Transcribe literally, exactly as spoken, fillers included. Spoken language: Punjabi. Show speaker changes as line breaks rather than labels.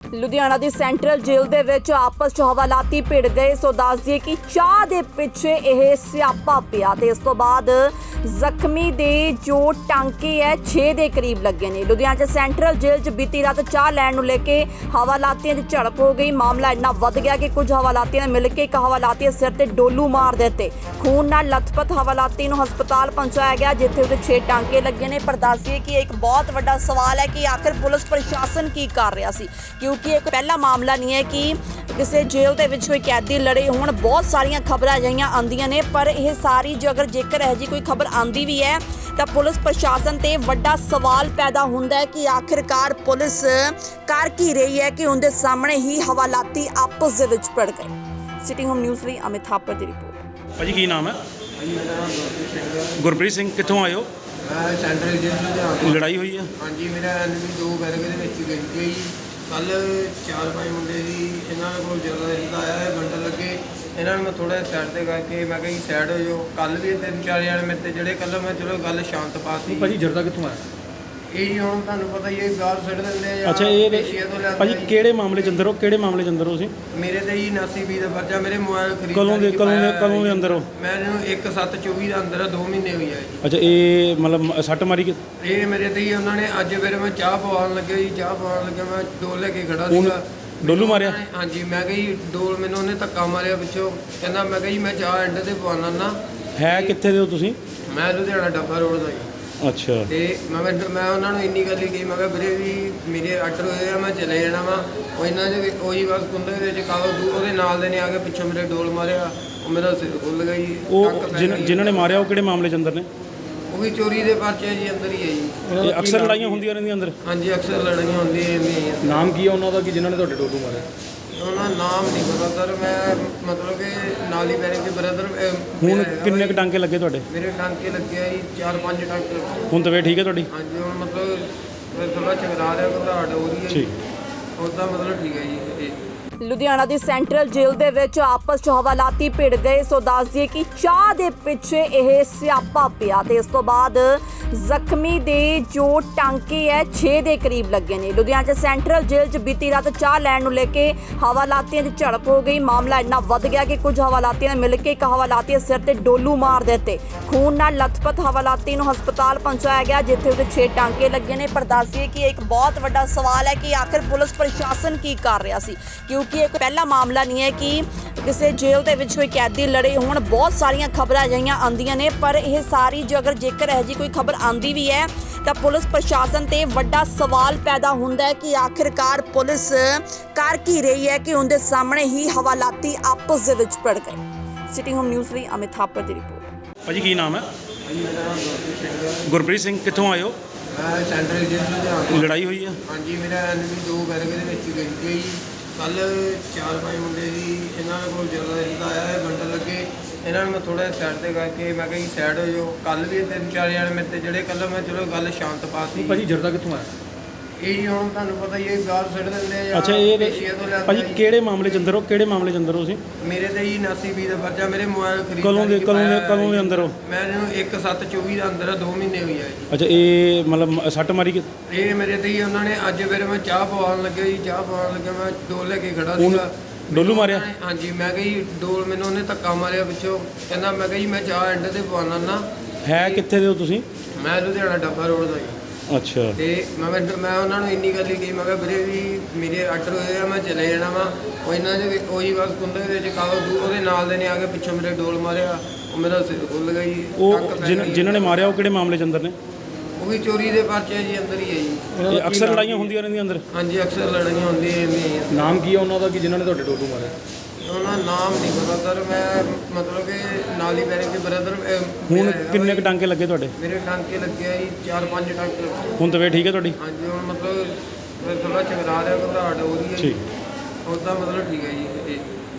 ਲੁਧਿਆਣਾ ਦੀ ਸੈਂਟਰਲ ਜੇਲ੍ਹ ਦੇ ਵਿੱਚ ਆਪਸ 'ਚ ਹਵਾਲਾਤੀ ਭਿੜ ਗਏ। ਸੋ ਦੱਸ ਦਈਏ ਕਿ ਚਾਹ ਦੇ ਪਿੱਛੇ ਇਹ ਸਿਆਪਾ ਪਿਆ ਤੇ ਇਸ ਤੋਂ ਬਾਅਦ ਜ਼ਖਮੀ ਦੇ ਜੋ ਟਾਂਕੇ ਹੈ ਛੇ ਦੇ ਕਰੀਬ ਲੱਗੇ ਨੇ। ਲੁਧਿਆਣਾ 'ਚ ਸੈਂਟਰਲ ਜੇਲ੍ਹ 'ਚ ਬੀਤੀ ਰਾਤ ਚਾਹ ਲੈਣ ਨੂੰ ਲੈ ਕੇ ਹਵਾਲਾਤੀਆਂ 'ਚ ਝੜਪ ਹੋ ਗਈ। ਮਾਮਲਾ ਇੰਨਾ ਵੱਧ ਗਿਆ ਕਿ ਕੁਝ ਹਵਾਲਾਤੀਆਂ ਨੇ ਮਿਲ ਕੇ ਇੱਕ ਹਵਾਲਾਤੀ ਦੇ ਸਿਰ ਤੇ ਡੋਲੂ ਮਾਰ ਦਿੱਤੇ। ਖੂਨ ਨਾਲ ਲਥਪਥ ਹਵਾਲਾਤੀ ਨੂੰ ਹਸਪਤਾਲ ਪਹੁੰਚਾਇਆ ਗਿਆ ਜਿੱਥੇ ਉਹਦੇ ਛੇ ਟਾਂਕੇ ਲੱਗੇ ਨੇ। ਪਰ ਦੱਸ ਦਈਏ ਕਿ ਇੱਕ ਬਹੁਤ ਵੱਡਾ ਸਵਾਲ ਹੈ ਕਿ ਆਖਿਰ ਪੁਲਿਸ ਪ੍ਰਸ਼ਾਸਨ ਕੀ ਕਰ ਰਿਹਾ ਸੀ, ਕਿਉਂਕਿ ਇਹ ਪਹਿਲਾ ਮਾਮਲਾ ਨਹੀਂ ਹੈ ਕਿ ਕਿਸੇ ਜੇਲ੍ਹ ਦੇ ਵਿੱਚ ਕੋਈ ਕੈਦੀ ਲੜੇ ਹੋਣ। ਬਹੁਤ ਸਾਰੀਆਂ ਖਬਰਾਂ ਅਜਿਹੀਆਂ ਆਉਂਦੀਆਂ ਨੇ, ਪਰ ਇਹ ਸਾਰੀ ਜੇ ਅਗਰ ਜੇਕਰ ਇਹੋ ਜਿਹੀ ਕੋਈ ਖਬਰ ਆਉਂਦੀ ਵੀ ਹੈ ਤਾਂ ਪੁਲਿਸ ਪ੍ਰਸ਼ਾਸਨ ਤੇ ਵੱਡਾ ਸਵਾਲ ਪੈਦਾ ਹੁੰਦਾ ਹੈ ਕਿ ਆਖਿਰਕਾਰ ਪੁਲਿਸ ਕਰ ਕੀ ਰਹੀ ਹੈ ਕਿ ਉਹਦੇ ਸਾਹਮਣੇ ਹੀ ਹਵਾਲਾਤੀ ਆਪਸ ਦੇ ਵਿੱਚ ਭਿੜ ਗਏ। ਸਿਟੀ ਹੋਮ ਨਿਊਜ਼ ਲਈ ਅਮਿਤ ਥਾਪਰ ਦੀ ਰਿਪੋਰਟ।
ਭਾਜੀ ਕੀ ਨਾਮ ਹੈ?
ਹਾਂਜੀ, ਮੇਰਾ ਨਾਮ ਗੁਰਪ੍ਰੀਤ ਸਿੰਘ ਹੈ।
ਗੁਰਪ੍ਰੀਤ ਸਿੰਘ ਕਿੱਥੋਂ ਆਏ ਹੋ?
ਮੈਂ ਸੈਂਟਰਲ ਜੇਲ੍ਹ ਲੁਧਿਆਣਾ।
ਲੜਾਈ ਹੋਈ ਹੈ?
ਹਾਂਜੀ, ਮੇਰਾ ਐਨਮੀ ਦੋ ਬੈਰਕ ਦੇ ਵਿੱਚ ਗਈ ਗਈ ਕੱਲ ਚਾਰ ਪੰਜ ਮੁੰਡੇ ਸੀ, ਇਹਨਾਂ ਕੋਲ ਜ਼ਿਆਦਾ ਰਹਿੰਦਾ ਆਇਆ ਹੈ ਬੰਡਲ ਲੱਗੇ। ਇਹਨਾਂ ਨੂੰ ਮੈਂ ਥੋੜ੍ਹਾ ਸਾਈਡ 'ਤੇ ਕਰਕੇ ਮੈਂ ਕਿਹਾ ਜੀ ਸਾਈਡ ਹੋ ਜਾਓ। ਕੱਲ੍ਹ ਵੀ ਤਿੰਨ ਚਾਰ ਜਣੇ ਮੇਰੇ 'ਤੇ ਜਿਹੜੇ ਕੱਲ੍ਹ ਮੈਂ ਚਲੋ ਗੱਲ ਸ਼ਾਂਤ ਪਾਤੀ।
ਭਾਜੀ ਜਰਦਾ ਕਿੱਥੋਂ ਆਇਆ?
ਇਹ ਜੀ ਹੁਣ ਤੁਹਾਨੂੰ ਪਤਾ ਹੀ ਹੈ ਬਾਹਰ ਸੁੱਟ ਦਿੰਦੇ ਆ ਜਾਂ
ਅੱਛਾ, ਇਹ
ਪੇਸ਼ੀਆਂ ਤੋਂ ਲਿਆਂਦੇ
ਭਾਜੀ
ਆ ਜੀ।
ਕਿਹੜੇ ਮਾਮਲੇ 'ਚ ਅੰਦਰ ਹੋ? ਕਿਹੜੇ ਮਾਮਲੇ 'ਚ ਅੰਦਰ ਹੋ ਤੁਸੀਂ?
ਮੇਰੇ ਤੇ ਜੀ ਉਨਾਸੀ ਵੀਹ ਦਾ ਪਰਚਾ, ਮੇਰੇ ਮੋਬਾਈਲ ਖਰੀਦ
ਕਦੋਂ ਦੇ ਕਦੋਂ ਦੇ ਕਦੋਂ ਦੇ ਅੰਦਰ ਹੋ?
ਮੈਂ ਇਹਨੂੰ ਇੱਕ ਸੱਤ ਚੌਵੀ ਦਾ ਅੰਦਰ ਆ, ਦੋ ਮਹੀਨੇ ਹੋਈ ਆ ਜੀ।
ਅੱਛਾ, ਇਹ ਮਤਲਬ ਸੱਟ ਮਾਰੀ ਕਿ
ਇਹ ਮੇਰੇ ਤੇ ਹੀ ਉਹਨਾਂ ਨੇ ਅੱਜ ਫਿਰ ਮੈਂ ਚਾਹ ਪਵਾਉਣ ਲੱਗਿਆ ਜੀ। ਚਾਹ ਪਵਾਉਣ ਲੱਗਿਆ ਮੈਂ ਡੋਲ ਲੈ ਕੇ ਖੜਾ
ਉਹਨੂੰ
ਸੀਗਾ।
ਡੋਲੂ ਮਾਰਿਆ?
ਹਾਂਜੀ, ਮੈਂ ਕਿਹਾ ਜੀ ਡੋਲ ਮੈਨੂੰ ਉਹਨੇ ਧੱਕਾ ਮਾਰਿਆ ਪਿੱਛੋਂ। ਕਹਿੰਦਾ ਮੈਂ ਕਿਹਾ ਜੀ ਮੈਂ ਚਾਹ ਐਂਡ ਤੇ ਪਵਾਉਣਾ ਨਾ।
ਹੈ ਕਿੱਥੇ ਦੇ ਹੋ ਤੁਸੀਂ?
ਮੈਂ ਲੁਧਿਆਣਾ ਡੱਬਾ ਰੋਡ ਦਾ ਜੀ।
ਅੱਛਾ,
ਤੇ ਮੈਂ ਮੈਂ ਉਹਨਾਂ ਨੂੰ ਇੰਨੀ ਗੱਲ ਹੀ ਕਹੀ, ਮੈਂ ਕਿਹਾ ਵੀਰੇ ਵੀ ਮੇਰੇ ਆਰਡਰ ਹੋਏ ਆ, ਮੈਂ ਚਲੇ ਜਾਣਾ ਵਾ। ਉਹ ਇਹਨਾਂ ਦੇ ਉਹੀ ਬਸ ਕੁੰਦੇ ਦੇ ਵਿੱਚ ਕਾਵਾ ਉਹਦੇ ਨਾਲ ਦੇ ਨੇ ਆ ਕੇ ਪਿੱਛੋਂ ਮੇਰੇ ਡੋਲ ਮਾਰਿਆ। ਉਹ ਮੇਰਾ ਸਿਰ ਖੁੱਲ ਗਿਆ ਜੀ।
ਉਹ ਜਿਨ੍ਹਾਂ ਨੇ ਮਾਰਿਆ ਉਹ ਕਿਹੜੇ ਮਾਮਲੇ 'ਚ ਅੰਦਰ ਨੇ?
ਉਹ ਵੀ ਚੋਰੀ ਦੇ ਪਰਚੇ ਜੀ, ਅੰਦਰ ਹੀ ਹੈ ਜੀ।
ਇਹ ਅਕਸਰ ਲੜਾਈਆਂ ਹੁੰਦੀਆਂ ਰਹਿੰਦੀਆਂ ਅੰਦਰ?
ਹਾਂਜੀ, ਅਕਸਰ ਲੜਾਈਆਂ ਹੁੰਦੀਆਂ ਰਹਿੰਦੀਆਂ ਜੀ।
ਨਾਮ ਕੀ ਹੈ ਉਹਨਾਂ ਦਾ ਕਿ ਜਿਨ੍ਹਾਂ ਨੇ ਤੁਹਾਡੇ ਡੋਲੂ ਮਾਰੇ?
ਉਹਨਾਂ ਦਾ ਨਾਮ ਨਹੀਂ ਪਤਾ ਸਰ। ਮੈਂ ਮਤਲਬ ਕਿ ਨਾਲ ਹੀ ਬੈਰਿੰਗ ਦੇ ਬ੍ਰਦਰ।
ਹੁਣ ਕਿੰਨੇ ਕੁ ਟਾਂਕੇ ਲੱਗੇ ਤੁਹਾਡੇ?
ਮੇਰੇ ਟਾਂਕੇ ਲੱਗੇ ਆ ਜੀ, ਚਾਰ ਪੰਜ ਟਾਂਕੇ ਲੱਗੇ।
ਹੁਣ ਤਬੀਅਤ ਠੀਕ ਹੈ ਤੁਹਾਡੀ?
ਹਾਂਜੀ, ਹੁਣ ਮਤਲਬ ਫਿਰ ਥੋੜਾ ਚਕਰਾ ਰਿਹਾ, ਘਬਰਾਹਟ ਹੋ ਰਹੀ ਹੈ।
ਠੀਕ,
ਉਹਦਾ ਮਤਲਬ ਠੀਕ ਹੈ ਜੀ। ਇਹ
ਲੁਧਿਆਣਾ ਦੀ ਸੈਂਟਰਲ ਜੇਲ੍ਹ ਦੇ ਵਿੱਚ ਆਪਸ 'ਚ ਹਵਾਲਾਤੀ ਭਿੜ ਗਏ। ਸੋ ਦੱਸ ਦਈਏ ਕਿ ਚਾਹ ਦੇ ਪਿੱਛੇ ਇਹ ਸਿਆਪਾ ਪਿਆ ਤੇ ਇਸ ਤੋਂ ਬਾਅਦ ਜ਼ਖਮੀ ਦੇ ਜੋ ਟਾਂਕੇ ਹੈ ਛੇ ਦੇ ਕਰੀਬ ਲੱਗੇ ਨੇ। ਲੁਧਿਆਣਾ 'ਚ ਸੈਂਟਰਲ ਜੇਲ੍ਹ 'ਚ ਬੀਤੀ ਰਾਤ ਚਾਹ ਲੈਣ ਨੂੰ ਲੈ ਕੇ ਹਵਾਲਾਤੀਆਂ 'ਚ ਝੜਪ ਹੋ ਗਈ। ਮਾਮਲਾ ਇੰਨਾ ਵੱਧ ਗਿਆ ਕਿ ਕੁਝ ਹਵਾਲਾਤੀਆਂ ਨੇ ਮਿਲ ਕੇ ਇੱਕ ਹਵਾਲਾਤੀ ਦੇ ਸਿਰ ਤੇ ਡੋਲੂ ਮਾਰ ਦਿੱਤੇ। ਖੂਨ ਨਾਲ ਲਥਪਥ ਹਵਾਲਾਤੀ ਨੂੰ ਹਸਪਤਾਲ ਪਹੁੰਚਾਇਆ ਗਿਆ ਜਿੱਥੇ ਉਹਦੇ ਛੇ ਟਾਂਕੇ ਲੱਗੇ ਨੇ। ਪਰ ਦੱਸ ਦਈਏ ਕਿ ਇੱਕ ਬਹੁਤ ਵੱਡਾ ਸਵਾਲ ਹੈ ਕਿ ਆਖਿਰ ਪੁਲਿਸ ਪ੍ਰਸ਼ਾਸਨ ਕੀ ਕਰ ਰਿਹਾ ਸੀ, ਕਿਉਂਕਿ ਇਹ ਪਹਿਲਾ ਮਾਮਲਾ ਨਹੀਂ ਹੈ ਕਿ ਕਿਸੇ ਜੇਲ੍ਹ ਦੇ ਵਿੱਚ ਕੋਈ ਕੈਦੀ ਲੜੇ ਹੋਣ। ਬਹੁਤ ਸਾਰੀਆਂ ਖਬਰਾਂ ਅਜਿਹੀਆਂ ਆਉਂਦੀਆਂ ਨੇ, ਪਰ ਇਹ ਸਾਰੀ ਜੇ ਅਗਰ ਜੇਕਰ ਇਹੋ ਜਿਹੀ ਕੋਈ ਖਬਰ ਆਉਂਦੀ ਵੀ ਹੈ ਤਾਂ ਪੁਲਿਸ ਪ੍ਰਸ਼ਾਸਨ ਤੇ ਵੱਡਾ ਸਵਾਲ ਪੈਦਾ ਹੁੰਦਾ ਹੈ ਕਿ ਆਖਿਰਕਾਰ ਪੁਲਿਸ ਕਰ ਕੀ ਰਹੀ ਹੈ ਕਿ ਉਹਦੇ ਸਾਹਮਣੇ ਹੀ ਹਵਾਲਾਤੀ ਆਪਸ ਦੇ ਵਿੱਚ ਭਿੜ ਗਏ। ਸਿਟੀ ਹੋਮ ਨਿਊਜ਼ ਲਈ ਅਮਿਤ ਥਾਪਰ ਦੀ ਰਿਪੋਰਟ।
ਭਾਜੀ ਕੀ ਨਾਮ ਹੈ?
ਹਾਂਜੀ, ਮੇਰਾ ਨਾਮ ਗੁਰਪ੍ਰੀਤ ਸਿੰਘ ਹੈ।
ਗੁਰਪ੍ਰੀਤ ਸਿੰਘ ਕਿੱਥੋਂ ਆਏ ਹੋ?
ਮੈਂ ਸੈਂਟਰਲ ਜੇਲ੍ਹ ਲੁਧਿਆਣਾ।
ਲੜਾਈ ਹੋਈ ਹੈ?
ਹਾਂਜੀ, ਮੇਰਾ ਐਨਮੀ ਦੋ ਬੈਰਕ ਦੇ ਵਿੱਚ ਗਈ ਗਈ ਕੱਲ ਚਾਰ ਪੰਜ ਮੁੰਡੇ ਸੀ, ਇਹਨਾਂ ਕੋਲ ਜ਼ਿਆਦਾ ਰਹਿੰਦਾ ਆਇਆ ਹੈ ਬੰਡਲ ਲੱਗੇ। ਇਹਨਾਂ ਨੂੰ ਮੈਂ ਥੋੜ੍ਹਾ ਸਾਈਡ 'ਤੇ ਕਰਕੇ ਮੈਂ ਕਿਹਾ ਜੀ ਸਾਈਡ ਹੋ ਜਾਓ। ਕੱਲ੍ਹ ਵੀ ਤਿੰਨ ਚਾਰ ਜਣੇ ਮੇਰੇ 'ਤੇ ਜਿਹੜੇ ਕੱਲ੍ਹ ਮੈਂ ਚਲੋ ਗੱਲ ਸ਼ਾਂਤ ਪਾਤੀ।
ਭਾਜੀ ਜਰਦਾ ਕਿੱਥੋਂ ਆਇਆ?
ਇਹ ਜੀ ਹੁਣ ਤੁਹਾਨੂੰ ਪਤਾ ਹੀ ਹੈ ਬਾਹਰ ਸੁੱਟ ਦਿੰਦੇ ਆ ਜਾਂ
ਅੱਛਾ, ਇਹ
ਪੇਸ਼ੀਆਂ ਤੋਂ ਲਿਆਂਦੇ
ਭਾਜੀ
ਆ ਜੀ।
ਕਿਹੜੇ ਮਾਮਲੇ 'ਚ ਅੰਦਰ ਹੋ? ਕਿਹੜੇ ਮਾਮਲੇ 'ਚ ਅੰਦਰ ਹੋ ਤੁਸੀਂ?
ਮੇਰੇ ਤੇ ਜੀ ਉਨਾਸੀ ਵੀਹ ਦਾ ਪਰਚਾ, ਮੇਰੇ ਮੋਬਾਈਲ ਖਰੀਦ
ਕਦੋਂ ਦੇ ਕਦੋਂ ਦੇ ਕਦੋਂ ਦੇ ਅੰਦਰ ਹੋ?
ਮੈਂ ਇਹਨੂੰ ਇੱਕ ਸੱਤ ਚੌਵੀ ਦਾ ਅੰਦਰ ਆ, ਦੋ ਮਹੀਨੇ ਹੋਈ ਆ ਜੀ।
ਅੱਛਾ, ਇਹ ਮਤਲਬ ਸੱਟ ਮਾਰੀ ਕਿ
ਇਹ ਮੇਰੇ ਤੇ ਹੀ ਉਹਨਾਂ ਨੇ ਅੱਜ ਫਿਰ ਮੈਂ ਚਾਹ ਪਵਾਉਣ ਲੱਗਿਆ ਜੀ। ਚਾਹ ਪਵਾਉਣ ਲੱਗਿਆ ਮੈਂ ਡੋਲ ਲੈ ਕੇ ਖੜਾ
ਉਹਨੂੰ
ਸੀਗਾ।
ਡੋਲੂ ਮਾਰਿਆ?
ਹਾਂਜੀ, ਮੈਂ ਕਿਹਾ ਜੀ ਡੋਲ ਮੈਨੂੰ ਉਹਨੇ ਧੱਕਾ ਮਾਰਿਆ ਪਿੱਛੋਂ। ਕਹਿੰਦਾ ਮੈਂ ਕਿਹਾ ਜੀ ਮੈਂ ਚਾਹ ਐਂਡ ਤੇ ਪਵਾਉਣਾ ਨਾ।
ਹੈ ਕਿੱਥੇ ਦੇ ਹੋ ਤੁਸੀਂ?
ਮੈਂ ਲੁਧਿਆਣਾ ਡੱਬਾ ਰੋਡ ਦਾ ਜੀ।
ਅੱਛਾ,
ਤੇ ਮੈਂ ਮੈਂ ਉਹਨਾਂ ਨੂੰ ਇੰਨੀ ਗੱਲ ਹੀ ਕਹੀ, ਮੈਂ ਕਿਹਾ ਵੀਰੇ ਵੀ ਮੇਰੇ ਆਰਡਰ ਹੋਏ ਆ, ਮੈਂ ਚਲੇ ਜਾਣਾ ਵਾ। ਉਹ ਇਹਨਾਂ ਦੇ ਉਹੀ ਬਸ ਕੁੰਦੇ ਦੇ ਵਿੱਚ ਕਾਵਾ ਉਹਦੇ ਨਾਲ ਦੇ ਨੇ ਆ ਕੇ ਪਿੱਛੋਂ ਮੇਰੇ ਡੋਲ ਮਾਰਿਆ। ਉਹ ਮੇਰਾ ਸਿਰ ਖੁੱਲ ਗਿਆ ਜੀ।
ਉਹ ਜਿਨ੍ਹਾਂ ਨੇ ਮਾਰਿਆ ਉਹ ਕਿਹੜੇ ਮਾਮਲੇ 'ਚ ਅੰਦਰ ਨੇ?
ਉਹ ਵੀ ਚੋਰੀ ਦੇ ਪਰਚੇ ਜੀ, ਅੰਦਰ ਹੀ ਹੈ ਜੀ।
ਇਹ ਅਕਸਰ ਲੜਾਈਆਂ ਹੁੰਦੀਆਂ ਰਹਿੰਦੀਆਂ ਅੰਦਰ?
ਹਾਂਜੀ, ਅਕਸਰ ਲੜਾਈਆਂ ਹੁੰਦੀਆਂ ਰਹਿੰਦੀਆਂ ਜੀ।
ਨਾਮ ਕੀ ਹੈ ਉਹਨਾਂ ਦਾ ਕਿ ਜਿਨ੍ਹਾਂ ਨੇ ਤੁਹਾਡੇ ਡੋਲੂ ਮਾਰੇ?
ਉਹਨਾਂ ਦਾ ਨਾਮ ਨਹੀਂ ਪਤਾ ਸਰ। ਮੈਂ ਮਤਲਬ ਕਿ ਨਾਲ ਹੀ ਬੈਰਿੰਗ ਦੇ ਬ੍ਰਦਰ।
ਹੁਣ ਕਿੰਨੇ ਕੁ ਟਾਂਕੇ ਲੱਗੇ ਤੁਹਾਡੇ?
ਮੇਰੇ ਟਾਂਕੇ ਲੱਗੇ ਆ ਜੀ, ਚਾਰ ਪੰਜ ਟਾਂਕੇ ਲੱਗੇ।
ਹੁਣ ਤਬੀਅਤ ਠੀਕ ਹੈ ਤੁਹਾਡੀ?
ਹਾਂਜੀ, ਹੁਣ ਮਤਲਬ ਫਿਰ ਥੋੜਾ ਚਕਰਾ ਰਿਹਾ, ਘਬਰਾਹਟ ਹੋ ਰਹੀ ਹੈ।
ਠੀਕ,
ਉਹਦਾ ਮਤਲਬ ਠੀਕ ਹੈ ਜੀ। ਇਹ